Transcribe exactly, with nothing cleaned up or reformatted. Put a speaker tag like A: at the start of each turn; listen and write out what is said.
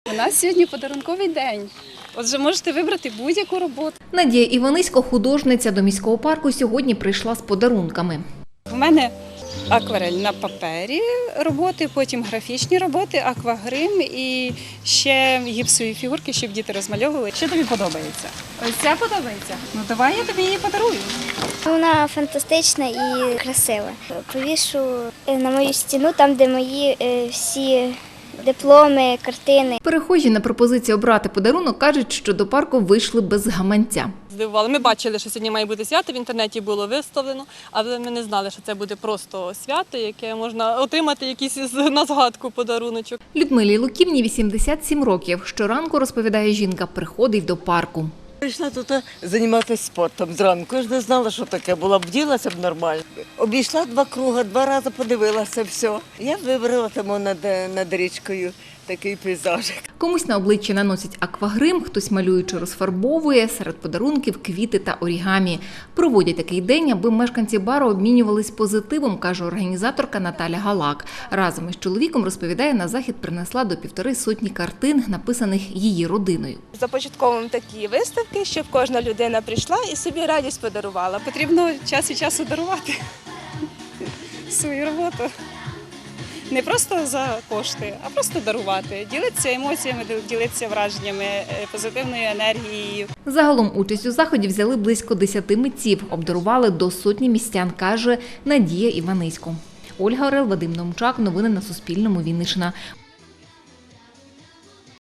A: У нас сьогодні подарунковий день. Отже, можете вибрати будь-яку роботу.
B: Надія Іванисько, художниця, до міського парку сьогодні прийшла з подарунками.
A: У мене акварель на папері роботи, потім графічні роботи, аквагрим і ще гіпсові фігурки, щоб діти розмальовували. Що тобі подобається? Ось ця подобається? Ну давай я тобі її подарую.
C: Вона фантастична і красива. Повішу на мою стіну, там, де мої всі дипломи, картини.
B: Перехожі на пропозицію обрати подарунок кажуть, що до парку вийшли без гаманця.
D: Здивували. Ми бачили, що сьогодні має бути свято, в інтернеті було виставлено, але ми не знали, що це буде просто свято, яке можна отримати якийсь на згадку подаруночок.
B: Людмилі Луківні вісімдесят сім років. Щоранку, розповідає жінка, приходить до парку.
E: Прийшла тут займатися спортом зранку. Я ж не знала, що таке. Була б вділася б нормально. Обійшла два круги, два рази подивилася все. Я вибрала там над, над річкою такий пейзаж.
B: Комусь на обличчя наносять аквагрим, хтось малюючи розфарбовує, серед подарунків квіти та орігамі. Проводять такий день, аби мешканці бару обмінювались позитивом, каже організаторка Наталя Галак. Разом із чоловіком, розповідає, на захід принесла до півтори сотні картин, написаних її родиною.
F: Започатковуємо такі виставки, щоб кожна людина прийшла і собі радість подарувала.
A: Потрібно час від часу дарувати свою роботу. Не просто за кошти, а просто дарувати, ділитися емоціями, ділитися враженнями, позитивною енергією.
B: Загалом участь у заході взяли близько десяти митців, обдарували до сотні містян, каже Надія Іванисько. Ольга Орел, Вадим Номчак. Новини на Суспільному. Вінниччина.